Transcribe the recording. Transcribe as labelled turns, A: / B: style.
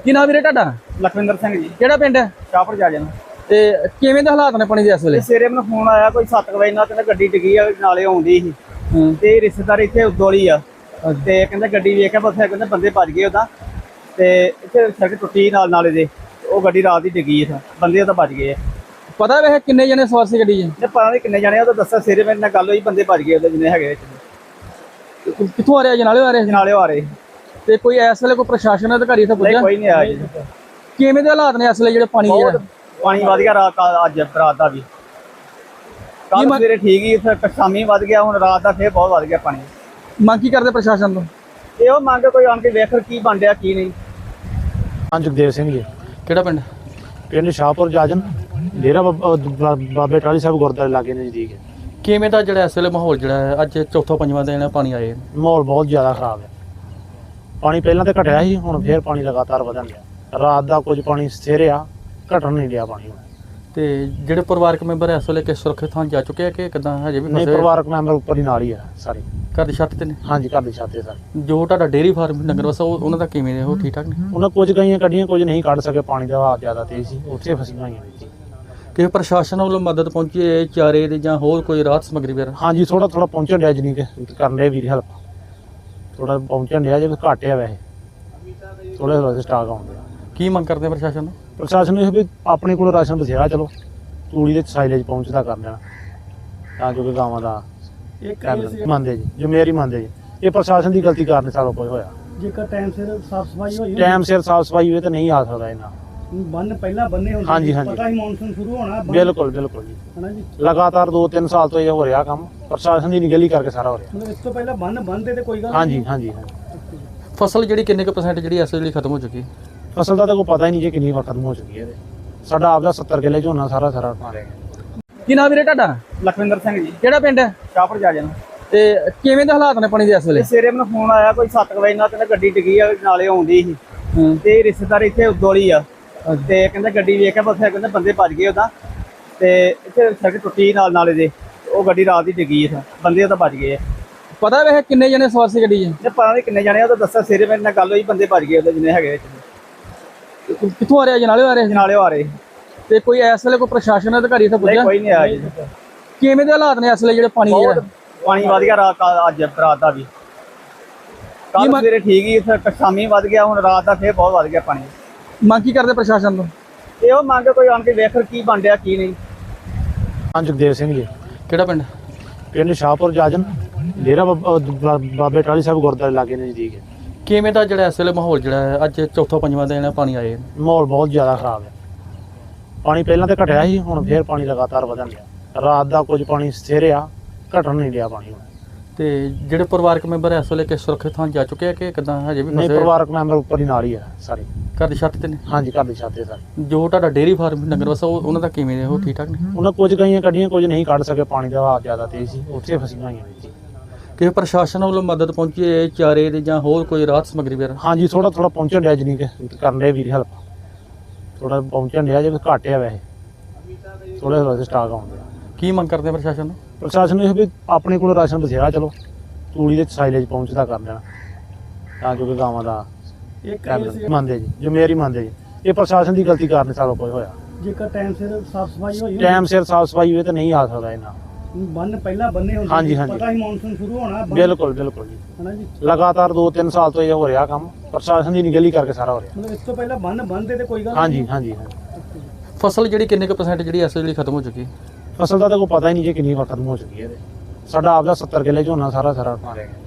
A: ਕੀ ਨਾਮ ਵੀਰੇ ਤੁਹਾਡਾ?
B: ਲਖਵਿੰਦਰ ਸਿੰਘ ਜੀ।
A: ਕਿਹੜਾ ਪਿੰਡ ਹੈ?
B: ਸ਼ਾਹਪੁਰ ਜਾ ਜਾਣਾ।
A: ਤੇ ਕਿਵੇਂ ਦੇ ਹਾਲਾਤ ਨੇ ਪਾਣੀ ਦੇ ਇਸ ਵੇਲੇ?
B: ਸਵੇਰੇ ਮੈਨੂੰ ਫੋਨ ਆਇਆ ਕੋਈ 7 ਵਜੇ ਨਾਲ, ਕਹਿੰਦਾ ਗੱਡੀ ਡਿੱਗੀ ਆ ਨਾਲੇ ਆਉਂਦੀ ਸੀ ਤੇ ਰਿਸ਼ਤੇਦਾਰ ਇੱਥੇ ਉਦੋਲੀ ਆ ਤੇ ਕਹਿੰਦਾ ਗੱਡੀ ਵੇਖ ਕੇ ਉੱਥੇ ਕਹਿੰਦੇ ਬੰਦੇ ਭੱਜ ਗਏ ਉਹਦਾ ਤੇ ਇੱਥੇ ਸੜਕ ਟੁੱਟੀ ਨਾਲ ਨਾਲੇ ਦੇ, ਉਹ ਗੱਡੀ ਰਾਤ ਹੀ ਡਿੱਗੀ ਇੱਥੇ, ਬੰਦੇ ਉਹਦਾ ਭੱਜ ਗਏ ਆ।
A: ਪਤਾ ਵੇ ਕਿੰਨੇ ਜਣੇ ਸਵਾਰ ਸੀ ਗੱਡੀ 'ਚ?
B: ਤੇ ਪਤਾ ਨਹੀਂ ਕਿੰਨੇ ਜਾਣੇ, ਉਹ ਤਾਂ ਦੱਸਿਆ ਸਵੇਰੇ ਮੇਰੇ ਨਾਲ ਗੱਲ ਹੋਈ, ਬੰਦੇ ਭੱਜ ਗਏ ਉਹਦੇ ਜਿੰਨੇ ਹੈਗੇ।
A: ਕਿੱਥੋਂ ਆ ਰਿਹਾ? ਜਨਾਲੇ ਆ ਰਹੇ ਸੀ?
B: ਨਾਲੇ ਆ ਰਹੇ
A: ਤੇ ਕੋਈ ਇਸ ਵੇਲੇ ਕੋਈ ਪ੍ਰਸ਼ਾਸਨ ਅਧਿਕਾਰੀ ਇੱਥੇ ਪੁੱਜਿਆ?
B: ਕੋਈ ਨਹੀਂ ਆਇਆ ਜੀ।
A: ਕਿਵੇਂ ਦੇ ਹਾਲਾਤ ਨੇ ਇਸ ਵੇਲੇ ਜਿਹੜੇ ਪਾਣੀ ਦੇ?
B: ਪਾਣੀ ਵਧ ਗਿਆ ਰਾਤ ਅੱਜ ਰਾਤ ਦਾ ਵੀ, ਕੱਲ ਸਵੇਰੇ ਠੀਕ ਹੀ, ਫਿਰ ਸ਼ਾਮੀ ਵਧ ਗਿਆ, ਹੁਣ ਰਾਤ ਦਾ ਫੇਰ ਬਹੁਤ ਵਧ ਗਿਆ ਪਾਣੀ।
A: ਮੰਗ ਕੀ ਕਰਦੇ ਪ੍ਰਸ਼ਾਸਨ ਤੋਂ?
B: ਇਹੋ ਮੰਗ ਕੋਈ ਆਣ ਕੇ ਵੇਖ ਕੀ ਬਣ ਰਿਹਾ ਕੀ ਨਹੀਂ।
C: ਹਾਂ, ਜਗਦੇਵ ਸਿੰਘ ਜੀ।
A: ਕਿਹੜਾ ਪਿੰਡ?
C: ਪਿੰਡ ਸ਼ਾਹਪੁਰ ਜਾਜਨ, ਡੇਰਾ ਬਾਬੇ ਟਾਹਲੀ ਸਾਹਿਬ ਗੁਰਦੁਆਰੇ ਲਾਗੇ ਨਜ਼ਦੀਕ ਹੈ।
A: ਕਿਵੇਂ ਦਾ ਜਿਹੜਾ ਇਸ ਵੇਲੇ ਮਾਹੌਲ ਜਿਹੜਾ ਹੈ ਅੱਜ ਚੌਥਾ ਪੰਜਵਾਂ ਦਿਨ ਪਾਣੀ ਆਏ?
C: ਮਾਹੌਲ ਬਹੁਤ ਜ਼ਿਆਦਾ ਖਰਾਬ ਹੈ। ਪਾਣੀ ਪਹਿਲਾਂ ਤਾਂ ਘਟਿਆ ਸੀ, ਹੁਣ ਫੇਰ ਪਾਣੀ ਲਗਾਤਾਰ ਵਧਣ ਲਿਆ। ਰਾਤ ਦਾ ਕੁਝ ਪਾਣੀ ਸਥਿਰ ਆ, ਘਟਣ ਨਹੀਂ ਲਿਆ ਪਾਣੀ।
A: ਤੇ ਜਿਹੜੇ ਪਰਿਵਾਰਕ ਮੈਂਬਰ ਇਸ ਵੇਲੇ ਕਿਸ ਸੁਰੱਖਿਅਤ ਥਾਂ ਜਾ ਚੁੱਕੇ ਆ ਕਿ ਕਿਦਾਂ ਹਜੇ ਵੀ
C: ਨਹੀਂ,
A: ਫਸੇ?
C: ਪਰਿਵਾਰਕ ਮੈਂਬਰ ਉੱਪਰ ਹੀ ਨਾਲ ਹੀ ਆ ਸਾਰੇ।
A: ਘਰ ਦੀ ਛੱਤ ਤੇ ਨੇ?
C: ਹਾਂਜੀ, ਘਰ ਦੀ ਛੱਤ ਤੇ ਸਾਰੇ।
A: ਜੋ ਤੁਹਾਡਾ ਡੇਅਰੀ ਫਾਰਮ ਡੰਗਰ ਵਸਾ ਉਹਨਾਂ ਦਾ ਕਿਵੇਂ ਨੇ? ਉਹ ਠੀਕ ਠਾਕ ਨੇ?
C: ਉਹਨਾਂ ਕੁਝ ਗਈਆਂ ਕੱਢੀਆਂ, ਕੁਝ ਨਹੀਂ ਕੱਢ ਸਕੇ, ਪਾਣੀ ਦਾ ਵਹਾਅ ਜ਼ਿਆਦਾ ਤੇਜ਼ ਸੀ, ਉੱਥੇ ਫਸੀਆਂ ਹੋਈਆਂ ਨੇ ਜੀ।
A: ਕਿ ਪ੍ਰਸ਼ਾਸਨ ਵੱਲੋਂ ਮਦਦ ਪਹੁੰਚੀ ਹੈ ਚਾਰੇ ਦੇ ਜਾਂ ਹੋਰ ਕੋਈ ਰਾਹਤ ਸਮੱਗਰੀ ਵਗੈਰਾ?
C: ਹਾਂਜੀ, ਥੋੜਾ ਪਹੁੰਚਣ ਡਿਆ ਜਨੀ ਕਿ ਕਰਨ ਡਿਆ ਵੀਰ ਹੈਲਪ, ਥੋੜਾ ਪਹੁੰਚਣ ਡਿਆ ਜੇ ਘੱਟ ਆ ਵੈਸੇ, ਥੋੜਾ ਸਟਾਕ ਆਉਂਦੇ ਆ।
A: ਕੀ ਮੰਗ ਕਰਦੇ ਆ ਪ੍ਰਸ਼ਾਸਨ ਨੂੰ?
C: ਪ੍ਰਸ਼ਾਸਨ ਨੂੰ ਇਹ ਵੀ ਆਪਣੇ ਕੋਲ ਰਾਸ਼ਨ ਬਥੇਰਾ, ਚਲੋ ਤੂੜੀ ਦੇ ਸਾਈਲੇਜ ਪਹੁੰਚਦਾ ਕਰ ਦੇਣਾ ਤਾਂ ਜੋ ਕਿ ਗਾਵਾਂ ਦਾ ਮੰਨਦੇ ਜੀ, ਜ਼ਿੰਮੇਵਾਰੀ ਮੰਨਦੇ ਜੀ। ਇਹ ਪ੍ਰਸ਼ਾਸਨ ਦੀ ਗਲਤੀ ਕਾਰਨ ਸਾਰਾ ਕੁਝ ਹੋਇਆ।
B: ਜੇਕਰ ਟਾਈਮ ਸਿਰ ਸਾਫ ਸਫਾਈ ਹੋਈ,
C: ਟਾਈਮ ਸਿਰ ਸਾਫ ਸਫਾਈ ਹੋਵੇ ਤਾਂ ਨਹੀਂ ਆ ਸਕਦਾ ਇਹਨਾਂ।
B: ਬੰਨ ਪਹਿਲਾਂ ਬੰਨੇ ਹੁੰਦੇ,
C: ਹਾਂਜੀ ਹਾਂਜੀ,
B: ਪਤਾ ਹੀ ਮੌਨਸੂਨ ਸ਼ੁਰੂ ਹੋਣਾ।
C: ਬਿਲਕੁਲ ਬਿਲਕੁਲ ਜੀ,
B: ਹਨਾ ਜੀ।
C: ਲਗਾਤਾਰ 2-3 ਸਾਲ ਤੋਂ ਇਹ ਹੋ ਰਿਹਾ ਕੰਮ, ਪ੍ਰਸ਼ਾਸਨ ਦੀ ਨਿਗਲੀ ਕਰਕੇ ਸਾਰਾ ਹੋ ਰਿਹਾ।
B: ਮਤਲਬ ਇਸ ਤੋਂ ਪਹਿਲਾਂ ਬੰਨ ਬੰਨਦੇ ਤੇ ਕੋਈ ਗੱਲ
C: ਹਾਂਜੀ ਹਾਂਜੀ।
A: ਫਸਲ ਜਿਹੜੀ ਕਿੰਨੇ ਕੁ % ਜਿਹੜੀ ਇਸ ਵੇਲੇ ਖਤਮ ਹੋ ਚੁੱਕੀ?
C: ਫਸਲ ਦਾ ਤਾਂ ਕੋਈ ਪਤਾ ਹੀ ਨਹੀਂ ਜੀ ਕਿੰਨੀ ਵਾਰ ਖਤਮ ਹੋ ਚੁੱਕੀ ਹੈ। ਸਾਡਾ ਆਪਦਾ 70 ਕਿੱਲੇ ਝੋਨਾ ਸਾਰਾ ਮਾਰਿਆ ਗਿਆ।
A: ਕੀ ਨਾਮ ਵੀਰੇ ਤੁਹਾਡਾ?
B: ਲਖਵਿੰਦਰ ਸਿੰਘ ਜੀ।
A: ਕਿਹੜਾ ਪਿੰਡ ਹੈ?
B: ਸ਼ਾਹਪੁਰ ਜਾ ਜਾਣਾ।
A: ਤੇ ਕਿਵੇਂ ਦੇ ਹਾਲਾਤ ਨੇ ਪਾਣੀ ਦੇ ਇਸ ਵੇਲੇ?
B: ਸਵੇਰੇ ਮੈਨੂੰ ਫੋਨ ਆਇਆ ਕੋਈ 7 ਵਜੇ ਨਾਲ, ਕਹਿੰਦਾ ਗੱਡੀ ਡਿੱਗੀ ਆ ਨਾਲੇ ਆਉਂਦੀ ਸੀ ਤੇ ਰਿਸ਼ਤੇਦਾਰ ਇੱਥੇ ਉਦੋਲੀ ਆ ਤੇ ਕਹਿੰਦਾ ਗੱਡੀ ਵੇਖ ਕੇ ਉੱਥੇ ਕਹਿੰਦੇ ਬੰਦੇ ਭੱਜ ਗਏ ਉਹਦਾ ਤੇ ਇੱਥੇ ਸੜਕ ਟੁੱਟੀ ਨਾਲ ਨਾਲੇ ਦੇ, ਉਹ ਗੱਡੀ ਰਾਤ ਹੀ ਡਿੱਗੀ ਇੱਥੇ, ਬੰਦੇ ਉਹਦਾ ਭੱਜ ਗਏ ਆ।
A: ਪਤਾ ਵੇ ਕਿੰਨੇ ਜਣੇ ਸਵਾਰ ਸੀ ਗੱਡੀ 'ਚ?
B: ਤੇ ਪਤਾ ਨਹੀਂ ਕਿੰਨੇ ਜਾਣੇ, ਉਹ ਤਾਂ ਦੱਸਿਆ ਸਵੇਰੇ ਮੇਰੇ ਨਾਲ ਗੱਲ ਹੋਈ, ਬੰਦੇ ਭੱਜ ਗਏ ਉਹਦੇ ਜਿੰਨੇ ਹੈਗੇ।
A: ਕਿੱਥੋਂ ਆ ਰਿਹਾ? ਜਨਾਲੇ ਆ ਰਹੇ ਸੀ?
B: ਨਾਲੇ ਆ ਰਹੇ
A: ਤੇ ਕੋਈ ਇਸ ਵੇਲੇ ਕੋਈ ਪ੍ਰਸ਼ਾਸਨ ਅਧਿਕਾਰੀ ਇੱਥੇ ਪੁੱਜਿਆ?
B: ਕੋਈ ਨਹੀਂ ਆਇਆ ਜੀ।
A: ਕਿਵੇਂ ਦੇ ਹਾਲਾਤ ਨੇ ਇਸ ਵੇਲੇ ਜਿਹੜੇ ਪਾਣੀ ਦੇ?
B: ਪਾਣੀ ਵਧ ਗਿਆ ਰਾਤ ਅੱਜ ਰਾਤ ਦਾ ਵੀ, ਕੱਲ ਸਵੇਰੇ ਠੀਕ ਹੀ, ਫਿਰ ਸ਼ਾਮੀ ਵਧ ਗਿਆ, ਹੁਣ ਰਾਤ ਦਾ ਫੇਰ ਬਹੁਤ ਵਧ ਗਿਆ ਪਾਣੀ।
A: ਮੰਗ ਕੀ ਕਰਦੇ ਪ੍ਰਸ਼ਾਸਨ ਤੋਂ?
B: ਇਹੋ ਮੰਗ ਕੋਈ ਆਣ ਕੇ ਵੇਖ ਕੀ ਬਣ ਰਿਹਾ ਕੀ ਨਹੀਂ।
C: ਹਾਂ, ਜਗਦੇਵ ਸਿੰਘ ਜੀ।
A: ਕਿਹੜਾ ਪਿੰਡ?
C: ਪਿੰਡ ਸ਼ਾਹਪੁਰ ਜਾਜਨ, ਡੇਰਾ ਬਾਬੇ ਟਾਹਲੀ ਸਾਹਿਬ ਗੁਰਦੁਆਰੇ ਲਾਗੇ ਨਜ਼ਦੀਕ ਹੈ।
A: ਕਿਵੇਂ ਦਾ ਜਿਹੜਾ ਇਸ ਵੇਲੇ ਮਾਹੌਲ ਜਿਹੜਾ ਹੈ ਅੱਜ ਚੌਥਾ ਪੰਜਵਾਂ ਦਿਨ ਪਾਣੀ ਆਏ?
C: ਮਾਹੌਲ ਬਹੁਤ ਜ਼ਿਆਦਾ ਖਰਾਬ ਹੈ। ਪਾਣੀ ਪਹਿਲਾਂ ਤਾਂ ਘਟਿਆ ਸੀ, ਹੁਣ ਫੇਰ ਪਾਣੀ ਲਗਾਤਾਰ ਵਧਣ ਲਿਆ। ਰਾਤ ਦਾ ਕੁਝ ਪਾਣੀ ਸਥਿਰ ਆ, ਘਟਣ ਨਹੀਂ ਲਿਆ ਪਾਣੀ।
A: ਤੇ ਜਿਹੜੇ ਪਰਿਵਾਰਕ ਮੈਂਬਰ ਇਸ ਵੇਲੇ ਕਿਸ ਸੁਰੱਖਿਅਤ ਥਾਂ ਜਾ ਚੁੱਕੇ ਆ ਕਿ ਕਿਦਾਂ ਹਜੇ ਵੀ
C: ਨਹੀਂ,
A: ਫਸੇ?
C: ਪਰਿਵਾਰਕ ਮੈਂਬਰ ਉੱਪਰ ਹੀ ਨਾਲ ਹੀ ਆ ਸਾਰੇ।
A: ਘਰ ਦੀ ਛੱਤ ਤੇ ਨੇ?
C: ਹਾਂਜੀ, ਘਰ ਦੀ ਛੱਤ ਤੇ ਸਾਰੇ।
A: ਜੋ ਤੁਹਾਡਾ ਡੇਅਰੀ ਫਾਰਮ ਡੰਗਰ ਵਸਾ ਉਹਨਾਂ ਦਾ ਕਿਵੇਂ ਨੇ? ਉਹ ਠੀਕ ਠਾਕ ਨੇ?
C: ਉਹਨਾਂ ਕੁਝ ਗਈਆਂ ਕੱਢੀਆਂ, ਕੁਝ ਨਹੀਂ ਕੱਢ ਸਕੇ, ਪਾਣੀ ਦਾ ਵਹਾਅ ਜ਼ਿਆਦਾ ਤੇਜ਼ ਸੀ, ਉੱਥੇ ਫਸੀਆਂ ਹੋਈਆਂ ਨੇ ਜੀ।
A: ਕਿ ਪ੍ਰਸ਼ਾਸਨ ਵੱਲੋਂ ਮਦਦ ਪਹੁੰਚੀ ਹੈ ਚਾਰੇ ਦੇ ਜਾਂ ਹੋਰ ਕੋਈ ਰਾਹਤ ਸਮੱਗਰੀ ਵਗੈਰਾ?
C: ਹਾਂਜੀ, ਥੋੜਾ ਪਹੁੰਚਣ ਡਿਆ ਜਨੀ ਕਿ ਕਰਨ ਡਿਆ ਵੀਰ ਹੈਲਪ, ਥੋੜਾ ਪਹੁੰਚਣ ਡਿਆ ਜੇ ਘੱਟ ਆ ਵੈਸੇ, ਥੋੜਾ ਸਟਾਕ ਆਉਂਦੇ ਆ।
A: ਕੀ ਮੰਗ ਕਰਦੇ ਆ ਪ੍ਰਸ਼ਾਸਨ ਨੂੰ?
C: ਪ੍ਰਸ਼ਾਸਨ ਨੂੰ ਇਹ ਵੀ ਆਪਣੇ ਕੋਲ ਰਾਸ਼ਨ ਬਥੇਰਾ, ਚਲੋ ਤੂੜੀ ਦੇ ਸਾਈਲੇਜ ਪਹੁੰਚਦਾ ਕਰ ਦੇਣਾ ਤਾਂ ਜੋ ਕਿ ਗਾਵਾਂ ਦਾ ਮੰਨਦੇ ਜੀ, ਜ਼ਿੰਮੇਵਾਰੀ ਮੰਨਦੇ ਜੀ। ਇਹ ਪ੍ਰਸ਼ਾਸਨ ਦੀ ਗਲਤੀ ਕਾਰਨ ਸਾਰਾ ਕੁਝ ਹੋਇਆ।
B: ਜੇਕਰ ਟਾਈਮ ਸਿਰ ਸਾਫ ਸਫਾਈ ਹੋਈ,
C: ਟਾਈਮ ਸਿਰ ਸਾਫ ਸਫਾਈ ਹੋਵੇ ਤਾਂ ਨਹੀਂ ਆ ਸਕਦਾ ਇਹਨਾਂ।
B: ਬੰਨ ਪਹਿਲਾਂ ਬੰਨੇ ਹੁੰਦੇ,
C: ਹਾਂਜੀ ਹਾਂਜੀ,
B: ਪਤਾ ਹੀ ਮੌਨਸੂਨ ਸ਼ੁਰੂ ਹੋਣਾ।
C: ਬਿਲਕੁਲ ਬਿਲਕੁਲ ਜੀ,
B: ਹਨਾ ਜੀ।
C: ਲਗਾਤਾਰ 2-3 ਸਾਲ ਤੋਂ ਇਹ ਹੋ ਰਿਹਾ ਕੰਮ, ਪ੍ਰਸ਼ਾਸਨ ਦੀ ਨਿਗਲੀ ਕਰਕੇ ਸਾਰਾ ਹੋ ਰਿਹਾ।
B: ਮਤਲਬ ਇਸ ਤੋਂ ਪਹਿਲਾਂ ਬੰਨ ਬੰਨਦੇ ਤੇ ਕੋਈ ਗੱਲ
C: ਹਾਂਜੀ ਹਾਂਜੀ।
A: ਫਸਲ ਜਿਹੜੀ ਕਿੰਨੇ ਕੁ % ਜਿਹੜੀ ਇਸ ਵੇਲੇ ਖਤਮ ਹੋ ਚੁੱਕੀ?
C: ਫਸਲ ਦਾ ਤਾਂ ਕੋਈ ਪਤਾ ਹੀ ਨਹੀਂ ਜੀ ਕਿੰਨੀ ਵਾਰ ਖਤਮ ਹੋ ਚੁੱਕੀ ਹੈ। ਸਾਡਾ ਆਪਦਾ 70 ਕਿੱਲੇ ਝੋਨਾ ਸਾਰਾ ਮਾਰਿਆ ਗਿਆ।